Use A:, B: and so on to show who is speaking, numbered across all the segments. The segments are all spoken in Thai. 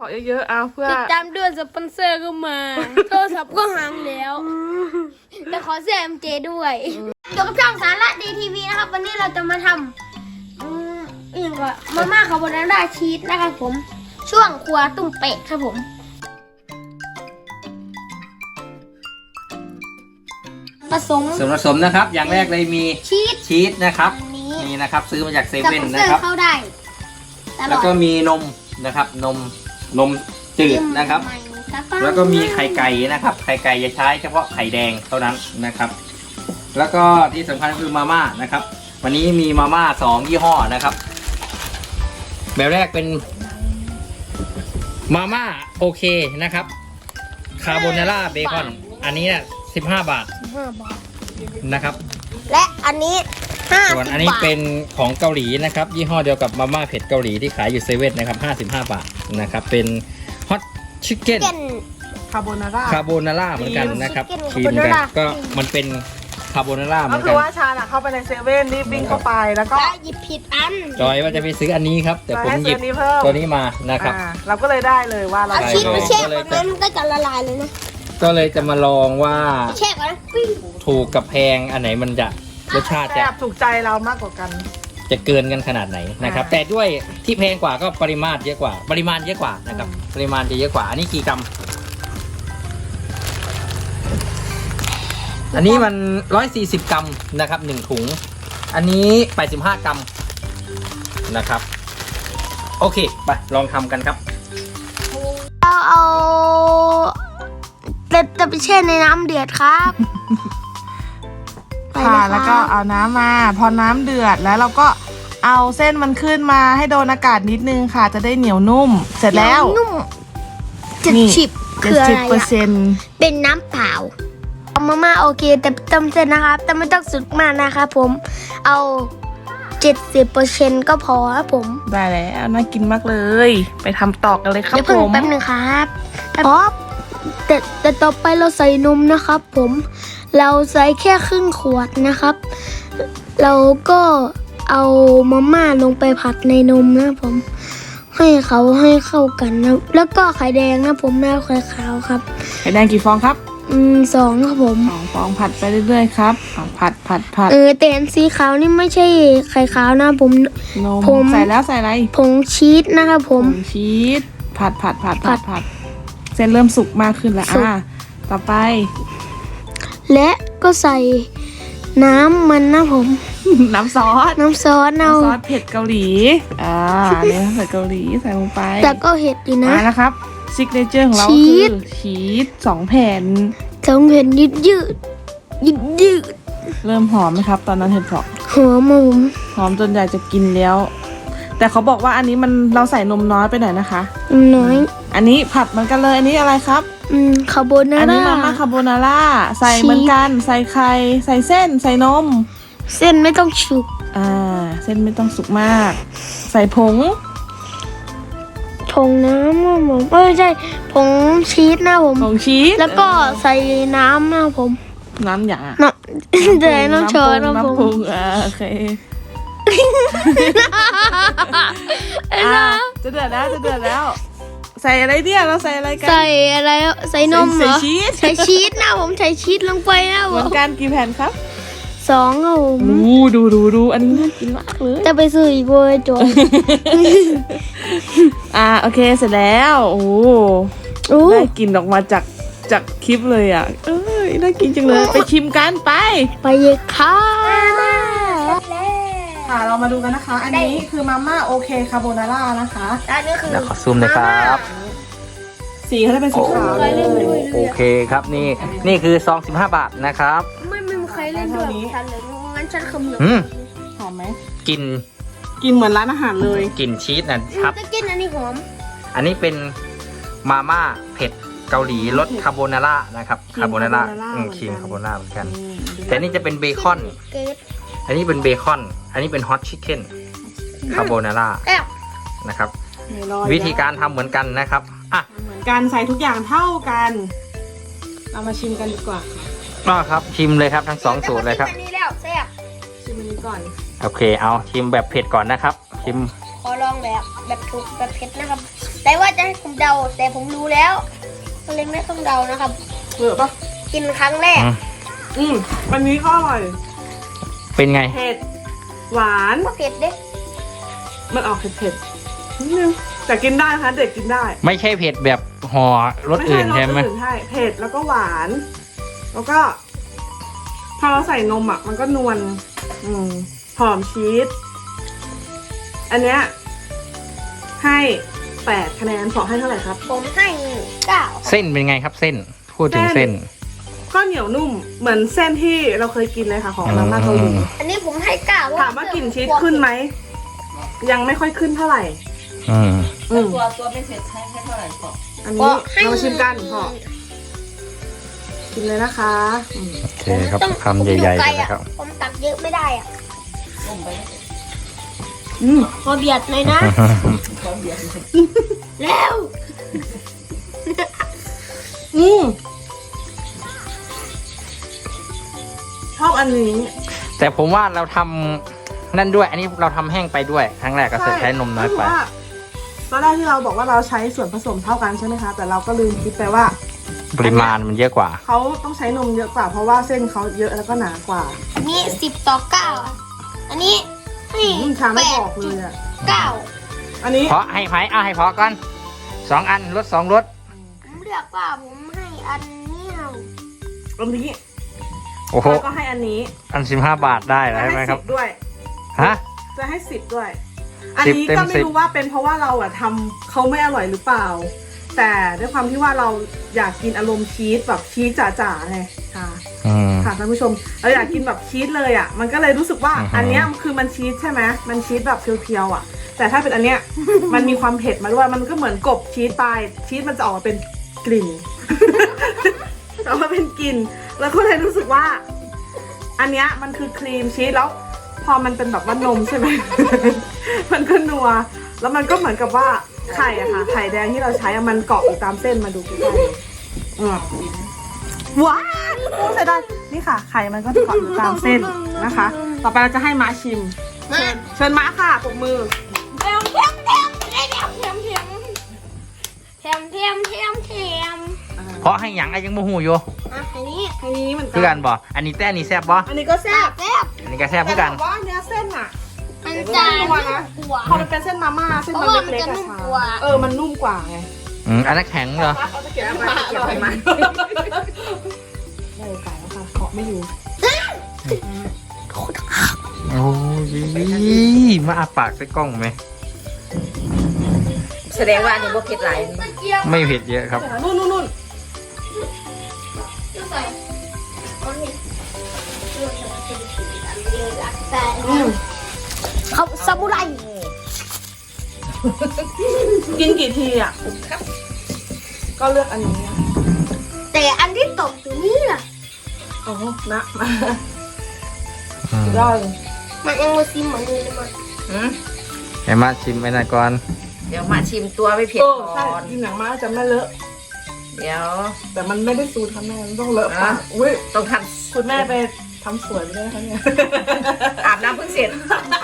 A: เยอะๆเอาเพื่อ
B: ติดตามด้วยสปอนเซอร์ก็มาโทรศัพท์ก็หางแล้วแต่ขอเสื้อ MJ ด้วยอยู่กับช่องสาระดีทีวีนะครับวันนี้เราจะมาทำอย่างก็มาม่าคาโบนาร่าชีสนะครับผมช่วงครัวตุ้มเป็ดครับผมผสม
C: ส่วนผสมนะครับอย่างแรกเลยมี
B: ชีส
C: นะครับ
B: อันนี้
C: นี่นะครับซื้อมาจากเซ
B: สป
C: เว่น
B: อนเซ
C: นะ
B: อ
C: ครับ
B: ร์เข้าได้ตล
C: แล้
B: อ
C: ว
B: ด
C: ก็มีนมนะครับนมจืดนะครับ แล้วก็มีไข่ไก่นะครับไข่ไก่จะใช้เฉพาะไข่แดงเท่านั้นนะครับ แล้วก็ที่สำคัญคือมาม่านะครับ วันนี้มีมาม่า2ยี่ห้อนะครับแบบแรกเป็นมาม่าโอเคนะครับคาโบนาร่าเบคอนอันนี้15 บาท
B: 5 บาท
C: นะครับ
B: และอันนี้50
C: ส่วนอันนี้
B: บาท
C: เป็นของเกาหลีนะครับยี่ห้อเดียวกับมาม่าเผ็ดเกาหลีที่ขายอยู่เซเว่นนะครับ55 บาทนะครับเป็นฮอตชิคเก้น
A: คาโบนาร่า
C: คาโบนาร่าเหมือนกันนะครับ
B: Chicken
C: ครีมกัน
B: Carbonara
C: ก็มันเป็นคาโบนาร่าเหมื
A: ก็
C: อน
A: คื
C: กั
A: อน ว่าชาเข้าไปในเซเว่นรีบวิ่งเข้าไปแล้วก็
B: และหยิบผิดอัน
C: จอยว่าจะไปซื้ออันนี้ครับ แต่ผม
A: ให้
C: ห
A: ซื้
C: ยิ
A: อบ อันนี้เพิ่ม
C: ตัวนี้มานะครับ
A: เราก็เลยได้เลยว่าเรา
B: เอา
C: ใช่
B: ชีสมาแช่
C: ก็เลย
B: ก่อนนะมันก็จะละลายเลยนะ
C: ก็เลยจะมาลองว่า
B: แช่ก่อนนะปิ้ง
C: ถูกกับแพงอันไหนมันจะรสชาติ
A: แซ่
C: จะ
A: บถูกใจเรามากกว่ากัน
C: จะเกินกันขนาดไหนนะครับ แต่ด้วยที่แพงกว่าก็ปริมาตรเยอะกว่าปริมาณเยอะกว่านะครับปริมาณจะเยอะกว่าอันนี้กี่กรัมอันนี้มัน140 กรัมนะครับ1ถุงอันนี้85 กรัมนะครับโอเคไปลองทำกันครับ
B: เอาจะไปแช่ในน้ำเดือดครับไป
A: ค่ะ
B: เย
A: แล้วก็เอาน้ำมาพอน้ำเดือดแล้วเราก็เอาเส้นมันขึ้นมาให้โดนอากาศนิดนึงค่ะจะได้เหนียวนุ่ม เสร็จแล้ว
B: นุ่ม
A: นี่
B: 70คืออะไร
A: 70%
B: เป็นน้ำเปล่าเอามาม่าโอเคแต่เติมเส้นนะครับ แต่ไม่ต้องสุดมากนะครับผมเอา 70% ก็พอครับผม
A: ได้แล้วน่ากินมากเลย ไปทำต่อกันเลยครับ
B: เดี๋ยว
A: ผ
B: เพิ่ง
A: ม
B: แป๊บหนึ่งครับแต่ต่อไปเราใส่นมนะครับผมเราใส่แค่ครึ่งขวดนะครับ เราก็เอามาม่าลงไปผัดในนมนะผมให้เข้ากันนะแล้วก็ไข่แดงนะผมไม่เอาไข่ขาวครับ
A: ไข่แดงกี่ฟองครับ
B: 2ครับผม
A: 2 ฟองผัดไปเรื่อยๆครับผัด
B: แต่อันสีขาวนี่ไม่ใช่ไข่ขาวนะผม
A: นม
B: ผม
A: ใส่แล้วใส่อะไร
B: ผงชีสนะครับผม
A: ผงชีสผัดเส้นเริ่มสุกมากขึ้นแล้ว
B: สุก
A: ต่อไป
B: และก็ใส่น้ำมันนะผม
A: น้ำซอส
B: น้ำซอสเอา
A: น้ำซอสเผ็ดเกาหลีเนี่ยเผ็ดเกาหลีใส่ลงไป
B: แต่ก็เห็ดอยู่นะ
A: มาแล้วครับซิกเนเจอร์ของเรา
B: ชี
A: คือ
B: ส
A: ชีส2 แผ่น
B: 2 เห็ดยืด
A: เริ่มหอมไหมครับ ตอนนั้นเห็ดเผาะ
B: หัวหมู
A: หอมจนอยากจะกินแล้ว แต่เขาบอกว่าอันนี้มันเราใส่นมน้อยไปหน่อยนะคะ
B: น้อย
A: อันนี้ผัดเหมือนกันเลยอันนี้อะไรครับ
B: คาโบนา
A: อัน
B: ร่า
A: นี้มาม่าคาโบนาร่าใส่เหมือนกันใส่ไข่ใส่เส้นใส่นม
B: เส้นไม่ต้องฉุก
A: เส้นไม่ต้องสุกมาก ใส่ผง
B: ผงน้ำนะผมไม่ใช่ผงชีสนะผม
A: ผงชีส
B: แล้วก็ใส่น้ำนะผม
A: น้ำอย่าง
B: น้ำ แต่น้ำช้อนนะ
A: น้ำ
B: ผ
A: ปรุ
B: ม
A: งโอเคจะเดือดแล้ว ใส่อะไรเนี่ยเราใส่อะไรกัน
B: ใส่อะไรใส่นมเหรอ
A: ใส่ชีส
B: ใส่ชีสนะผมใส่ชีสลงไปนะผ
A: เหมือ
B: ม
A: นกันกี่แผ่นครับ
B: 2ครับผม
A: ดูอันนี้น่ากินมากเลย
B: จะไปซื้ออีกเวอร์จน
A: โอเคเสร็จแล้วโอ้ได้กลินออกมาจากคลิปเลยน่ากินจังเลยไปชิมกันไป
B: ไปเยอะค่ะ
A: ค่ะเรามาดูกันนะคะ อันนี้คือมาม่าโอเคคาโบนาร่านะคะ
B: อันนี้คือ
C: เดี๋ยวขอซูมหนะครับ
A: สีเขาจะเป็นสีขาว
C: โอเคครับนี่คือซอง15 บาทนะครับ
B: ไม่มีใครเล่นด้วยฉันเลยงั้นฉันขมือ
A: หอมไหม
C: กลิน
A: กินเหมือนร้านอาหารเลย
C: กลิ่นชีสนะครับ
B: จะกินอันนี้หอม
C: อันนี้เป็นมาม่าเผ็ดเกาหลีรสคาโบนาร่านะครับคาโบนาร่าครีมคาโบนาร่าเหมือนกัน แต่นี่จะเป็นเบคอน
B: เกรด
C: อันนี้เป็นเบคอน อันนี้เป็นฮอตชิคเก้นคาโบนาร่า
B: แอบ
C: นะครับ วิธีการทำเหมือนกันนะครับ
A: เหมือนกันใส่ทุกอย่างเท่ากัน เรามาชิมกันดีกว่าค่ะ
C: ก็ครับชิมเลยครับทั้ง2 สูตรเลยครับ
B: อันนี้แล้วแซ่บ
A: ชิมอันนี้ก่อน
C: โอเคเอาชิมแบบเผ็ดก่อนนะครับชิม
B: ขอลองแบบถูกแบบเผ็ดนะครับแต่ว่าจะให้ผมเดาแต่ผมรู้แล้วก็เลยไม่ต้องเดานะครับ
A: เหลือปะ
B: กินครั้งแรก
A: อันนี้ก็อร่อย
C: เป็นไง
A: เผ็ดหวาน
B: ก็เผ็ดเด้
A: มันออกเผ็ดๆนิดนึงแต่กินได้นะคะเด็กกินได้
C: ไม่ใช่เผ็ดแบบห่อรสอื่นใช่ไหม
A: รสอื่นใช่เผ็ดแล้วก็หวาน แล้วก็พอเราใส่นมอ่ะมันก็นวลหอมชีสอันเนี้ยให้8 คะแนนขอให้เท่าไหร่ครับ
B: ผมให้9
C: เส้นเป็นไงครับเส้น พูดถึงเส้น
A: ก็เหนียวนุ่มเหมือนเส้นที่เราเคยกินเลยค่ะของมาม่าเกาหลี
B: อันนี้ผมให้9
A: ถามว่ากลิ่นชีสขึ้นไหมยังไม่ค่อยขึ้นเท่าไหร่
D: ตัวไม่เผ็ดให้เท่าไหร่พอ
A: อันนี้เรามาชิมกันพอกินเลยนะคะ
C: โอเคครับคำใหญ่ๆเลยนะครับ
B: ผมตักเยอะไม่ได้อ่ะ
D: ต้มไป
B: พอเบียดเลยนะ
D: พร้อมเดียว
B: แล้ว
A: ชอบอันนี้
C: แต่ผมว่าเราทำนั่นด้วย อันนี้เราทำแห้งไปด้วยครั้งแรกก็ใช้นมน้อยไป
A: ตอนแรกที่เราบอกว่าเราใช้ส่วนผสมเท่ากันใช่ไหมคะแต่เราก็ลืมคิดไปว่า
C: ปริมาณมันเยอะกว่า
A: เขาต้องใช้นมเยอะกว่าเพราะว่าเส้นเขาเยอะแล้วก็หนากว่า
B: อันนี้10-9อ่ะอันนี้ให้
A: ชาไม่บอกเลยอ่ะ
B: 9
A: อันนี้
C: เพราะให้ไผ่เอาให้เพาะก่อน2 อันลด2 รส
B: ผมเลือกว่าผมให้อันนี้เอา
A: อันนี้
C: โอ้โห
A: แล้วก็ให้อันนี้
C: อัน15 บาทได้แล้วใช่ไหมครับ
A: 10ด้วย
C: ฮะ
A: จะให้10ด้วย อันนี้
C: 10 เต็ม
A: ก็ไม่
C: 10
A: รู้ว่าเป็นเพราะว่าเราอะทำเขาไม่อร่อยหรือเปล่า แต่ด้วยความที่ว่าเราอยากกินอารมณ์ชีสแบบชีสจ๋าๆไงค่ะ ค่ะท่านผู้ชมเราอยากกินแบบชีสเลยอ่ะมันก็เลยรู้สึกว่า อันเนี้ยคือมันชีสใช่ไหมมันชีสแบบเพียวๆอ่ะ แต่ถ้าเป็นอันเนี้ย มันมีความเผ็ดมาด้วยมันก็เหมือนกบชีสไปชีสมันจะออกมาเป็นกลิ่น ออกมาเป็นกลิ่นแล้วก็เลยรู้สึกว่า อันเนี้ยมันคือครีมชีสแล้ว พอมันเป็นแบบว่านมใช่ไหม มันก็นัวแล้วมันก็เหมือนกับว่าไข่อะค่ะไข่แดงที่เราใช้อะมันเกาะอยู่ตามเส้นมาดูใกล้ๆว้าวโอ้ใส่ได้นี่ค่ะไข่มันก็จะเกาะอยู่ตามเส้นนะคะ ต่อไปเราจะให้ม้าชิม
B: มา
A: เชิญม้าค่ะปรบมือ
B: แถม
C: เพราะให้หยังไอ้ยังโมหูอยู่
B: อันนี้
A: อันนี้เหมือนกั
C: คือกันบ่อันนี้แต่อันนี้แซ่บบ่
A: อันนี้ก็แซ่บ
C: อันนี้ก็แซ่บ
A: แต่
C: คือกัน
A: บอกว่าเนื้อเส้นอะ
B: มันจะนุ่มกว่า
A: พอมันเป็นเส้นมาม่าเส้นมันเล็กๆอะ
B: เพราะว่ามันจะนุ่ม
A: ค่ะ
B: กว่า
A: มันนุ่มกว่าไง
C: อันนั้นแข็งเหรอ
A: เอาตะเกียบมาเก็บไปมาได้ไก่แล้วค่ะเคาะไม่อยู่
C: โอ้ยมาอาปากใส่กล้องไหม
D: แสดงว่าอันนี้บ่เผ็ดหลาย
C: ไม่เผ็ดเยอะครับ
A: นู่น
B: เขาซามูไร
A: กินกี่ทีอ่ะก็เลือกอันนี้อะ
B: แต่อันที่ตกอยู่นี่ล่ะ
A: โอ้โหนะมาสุดยอดเลย
B: มันยังมาซิมเหมือนเดิมเลย
C: ให้มาชิมไปหน่อยก่อน
D: เดี๋ยวมาชิมตัวไม่เผ็ด
A: ใช่
D: ก่อน
A: กินหนังม้าจะไม่เลอะ
D: เดี๋ยว
A: แต่มันไม่ได้สูตรค่ะแม่มันต้องเลอะปะอุ้ย
D: ต้องท
A: คุณแม่ไปทำสวยไปด้วยคะเนี่ย
D: ำอาบน้ำเพิ่งเสร็จ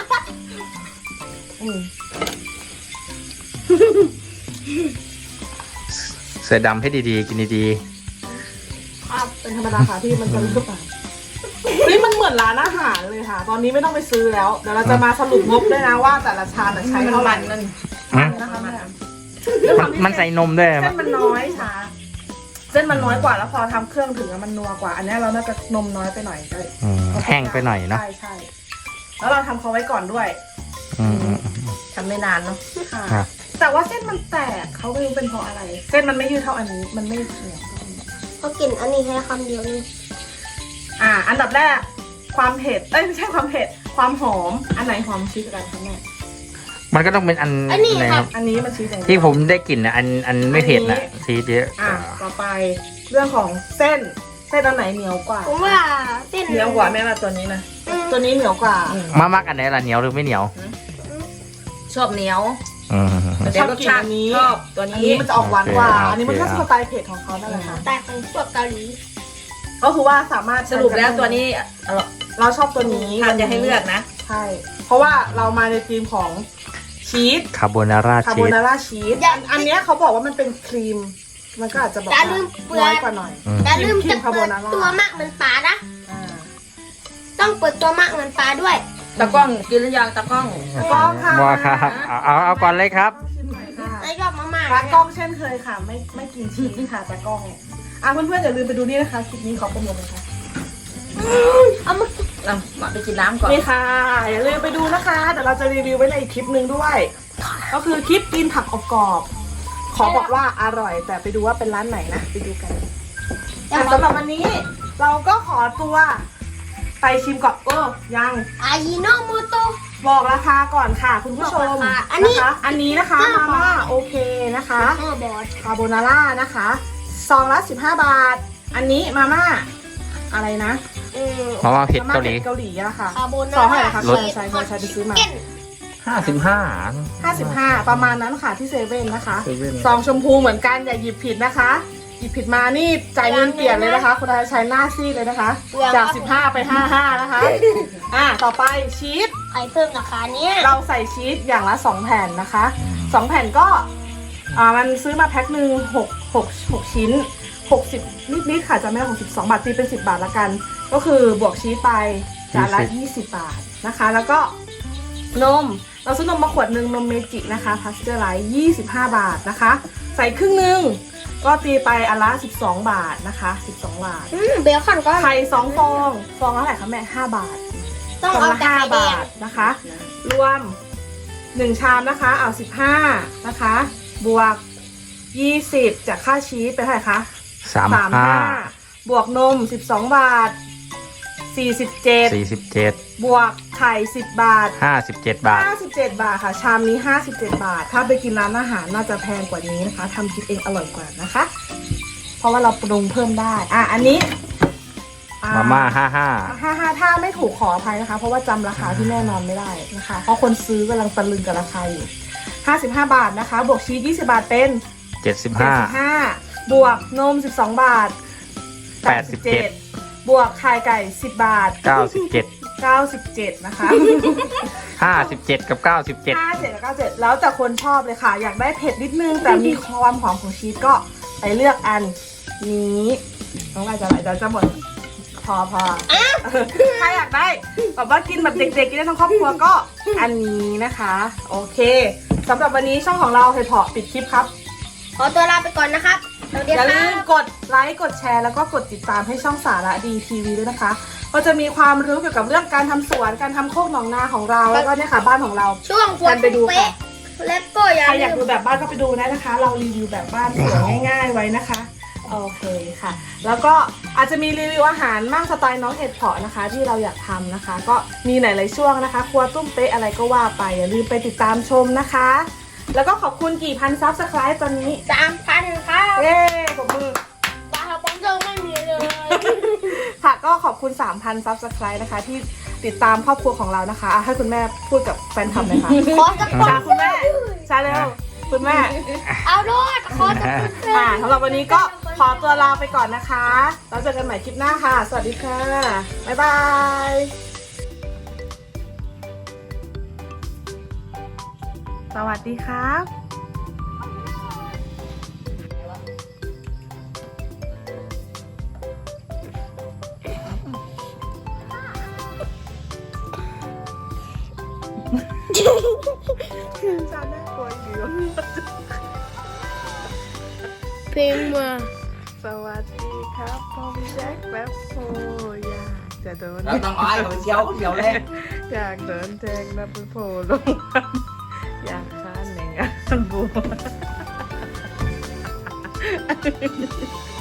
C: เสือดำให้ดีๆ กินดี
A: ครับเป็นธรรมดาค่ะที่มันจะเลอะไปนี่มันเหมือนร้านอาหารเลยค่ะ ตอนนี้ไม่ต้องไปซื้อแล้วเดี๋ยวเราจะมาสรุปงบด้วยนะว่าแต่ละชามใช้เท่าไหร่
D: นั่น
C: ๆฮะ
A: นะคะแม่
C: มันใส่นมด้วย
A: เส้นมันน้อยช้าเส้นมันน้อยกว่าแล้วพอทำเครื่องถึงอะมันนัวกว่า อันนี้เราน่าจะนมน้อยไปหน่อยเลย
C: แห้งไปหน่อยเนาะ
A: ใช่แล้วเราทำเขาไว้ก่อนด้วย
D: ทำไม่นานเนาะ
A: ค่ะ
C: ครับ
A: แต่ว่าเส้นมันแตกเขาไม่รู้เป็นเพราะอะไร เส้นมันไม่ยืดเท่าอันนี้มันไม่เหนียวเท่าอันนี้
B: เขากินอันนี้แค่คำเดียวนี่
A: อันดับแรกความเผ็ดไม่ใช่ความเผ็ดความหอมอันไหนหอมชีสกันคะแม่
C: มันก็ต้องเป็นอันไหนครับ
A: อันนี้มันชีสอย่างเดียว
C: ที่ผมได้กลิ่นนะอันไม่เผ็ดนะชีสเยอะ
A: ต่อไปเรื่องของเส้นอันไหนเหนียวกว่า
B: ผมว่าเส้น
A: เหนียวกว่าแม่มาตัวนี้นะตัวนี้เหนียวกว่า
C: มามักอันไหนล่ะเหนียวหรือไม่เหนียว
D: ชอบเหนียว
C: อืม
D: แต่รสชาติชอบตัว
A: อัน
D: นี้
A: นี้มันจะออกหวานกว่า
C: โอเค
A: อันนี้มันก็สไตล์เผ็ดของเขานั่นแหละค่ะ
B: แต่ของพวกเกาหลี
A: ก็คือว่าสามารถ
D: สรุปแล้วตัวนี้
A: เราชอบตัวนี้
D: ทานจะให้เลือกนะ
A: ใช่เพราะว่าเรามาในธีมของชีชีส
C: คาโบนาร่า
A: คา
C: ชี
A: โบ
C: ส
A: นาร่าชีสอันเนี้ยเขาบอกว่ามันเป็นครีม มันก็อาจจะแบบ
B: อย่าลืมเปลือก
A: น้อยกว่าหน่อย
B: อย่าลืม
A: ครี
B: จะ
A: มคาโบ
B: เปิด
A: นาร่า
B: ตัวมากเหมือนปลานะ
A: อ่า
B: ต้องเปิดตัวมากเหมือนปลาด้วย
D: ตะกล้องกินหรือยังตะกล้อง
A: กล้องค่ะ
C: ว่าครับเอาก่อนเลยครับ
A: ชิมหน่อยค่ะ
B: ไม่ชอบมาม่า
A: ตากล้องเช่นเคยค่ะ ไม่กินชีสค่ะตากล้องเพื่อนๆอย่าลืมไปดูนี่นะคะคลิปนี้ขอโปรโมทเลยค่ะ
B: เอามา
D: มาไปกินน้ำก่อน
A: นี่ค่ะอย่าลืมไปดูนะคะเดี๋ยวเราจะรีวิวไว้ในอีกคลิปหนึ่งด้วย ก็คือคลิปกินผักอบกรอบขอบอกว่าอร่อย แต่ไปดูว่าเป็นร้านไหนนะไปดูกันสำหรับวันนี้เราก็ขอตัวไปชิมก่อนยัง
B: อายิโนโมโต
A: บอกราคาก่อนค่ะคุณผู้ชม
B: บอกราคาอันนี้
A: นะคะอันนี้นะคะ
B: 5
A: มาม่าโอเคนะคะ
B: บอส
A: คาโบนาร่านะคะซองละ15 บาท อันนี้มาม่าอะไรนะ
C: มาม่าเผ็ดเกาหลี
A: เกาหลีอะค่ะ
B: คาโบนา
A: ซองเท่าไหร่
B: ร่า
A: คะ
C: รส
A: ใช่ไปซื้อมา
C: 55
A: 55 ประมาณนั้นค่ะที่เซเว่นนะคะ
C: เซเว่น
A: ซองชมพูเหมือนกันอย่าหยิบผิดนะคะ หยิบผิดมานี่จ่ายเงินเปลี่ยนเลยนะคะ คุณอาชัยหน้าซีดเลยนะคะ จาก15ไป55นะคะต่อไปชีส
B: ใครเพิ่มราคาเนี้ย
A: เราใส่ชีสอย่างละ2แผ่นนะคะ2แผ่นก็มันซื้อมาแพ็คหนึ่ง6ชิ้น60นิดๆค่ะจะไม่ได้62 บาทตีเป็น10 บาทละกัน ก็คือบวกชีสไปจานละ20 บาทนะคะ แล้วก็นมเราซื้อนมมาขวดหนึ่งนมเมจินะคะพาสเจอร์ไลท์25 บาทนะคะ ใส่ครึ่งหนึ่งก็ตีไปอันละ12 บาทนะคะ12 บาท
B: เบลคอนก็
A: ไข่2 ฟองฟองละเท่าไหร่คะแม่5 บาท
B: ต้อง
A: ฟอง
B: เอา
A: ละ
B: แต่ไข่
A: 5
B: แด
A: บาง ทนะคะ รวม1ชามนะคะเอา15นะคะบวก20จากค่าชีสเป็นเท่าไหร่คะ35บวกนม12 บาท47บวกไข่10 บาท
C: 57 บาท
A: 57 บาทค่ะ ชามนี้57 บาท ถ้าไปกินร้านอาหารน่าจะแพงกว่านี้นะคะทำกินเองอร่อยกว่านะคะ เพราะว่าเราปรุงเพิ่มได้อันนี้
C: มาม่า
A: 55ถ้าไม่ถูกขออภัยนะคะ เพราะว่าจำราคาที่แน่นอนไม่ได้นะคะ เพราะคนซื้อกำลังตะลึงกับราคาอยู่55 บาทนะคะ บวกชีส20 บาทเป็น
C: 55
A: 75บวกนม12 บาท87บวกไข่ไก่10 บาท 97นะคะ
C: 57 กับ 97
A: 57กับ97แล้วแต่คนชอบเลยค่ะ อยากได้เผ็ดนิดนึง แต่มีความหอมของชีสก็ไปเลือกอันนี้น้องอะไรจะไหลจะหมดพอถ้าอยากได้แบบว่ากินแบบเด็กๆกินได้ทั้งครอบครัวก็อันนี้นะคะโอเคสำหรับวันนี้ช่องของเราเห็ดเพาะปิดคลิปครับ
B: ขอตัวลาไปก่อนนะครับสวัสดี
A: อย่า
B: ค
A: ลื
B: รั
A: ม
B: บ
A: กดไลค์กดแชร์แล้วก็กดติดตามให้ช่องสาระดีทีวีด้วยนะคะก็จะมีความรู้เกี่ยวกับเรื่องการทำสวนการทำโคกหนองนาของเราแล้วก็เนี่ยค่ะบ้านของเรา
B: ช่วงฝน
A: ไปดูค่ะ
B: เป๊ะและก็อย่า
A: ใครอ
B: ลื
A: ยาก
B: ม
A: ดูแบบบ้านก็ไปดูได้นะคะ เรารีวิวแบบบ้านสวยง่ายๆไว้นะคะโอเคค่ะ แล้วก็อาจจะมีรีวิวอาหารมากสไตล์น้องเห็ดเพาะนะคะ ที่เราอยากทำนะคะ ก็มีหลายๆช่วงนะคะ ครัวตุ้มเป๊ะอะไรก็ว่าไปอย่าลืมไปติดตามชมนะคะ แล้วก็ขอบคุณกี่พันซับสไครต์ตอนนี้
B: 3,000 ครับ
A: เย้ปรบมือ
B: ปลาสปอนเซอร์ไม่มีเลย
A: ค่ะก็ขอบคุณ 3,000 ซับสไครต์นะคะ ที่ติดตามครอบครัวของเรานะคะให้คุณแม่พูดกับแฟนคลับเลยค่ะ
B: ขอสปอน
A: จ้า
B: เซ
A: คุณ
B: อ
A: แม่
B: ร์
A: จ้าเร็วคุณแม่
B: เอาด้วยขอสปอนเซอร์
A: สำหรับวันนี้ก็ขอตัวลาไปก่อนนะคะแล้วเจอกันใหม่คลิปหน้าค่ะ สวัสดีค่ะ บ๊ายบาย สวัสดีครับจานน่ากลัวอยู่
B: เพลงมา
A: สวัสดีครับผมแจ็คแป๊บโฮอยากจะโดน
D: แล้วต้องอ้อยของเชียวเลย
A: อยากโดนแทงนะไปโผล่ลงมาอยากฆ่าแหนงอันบัว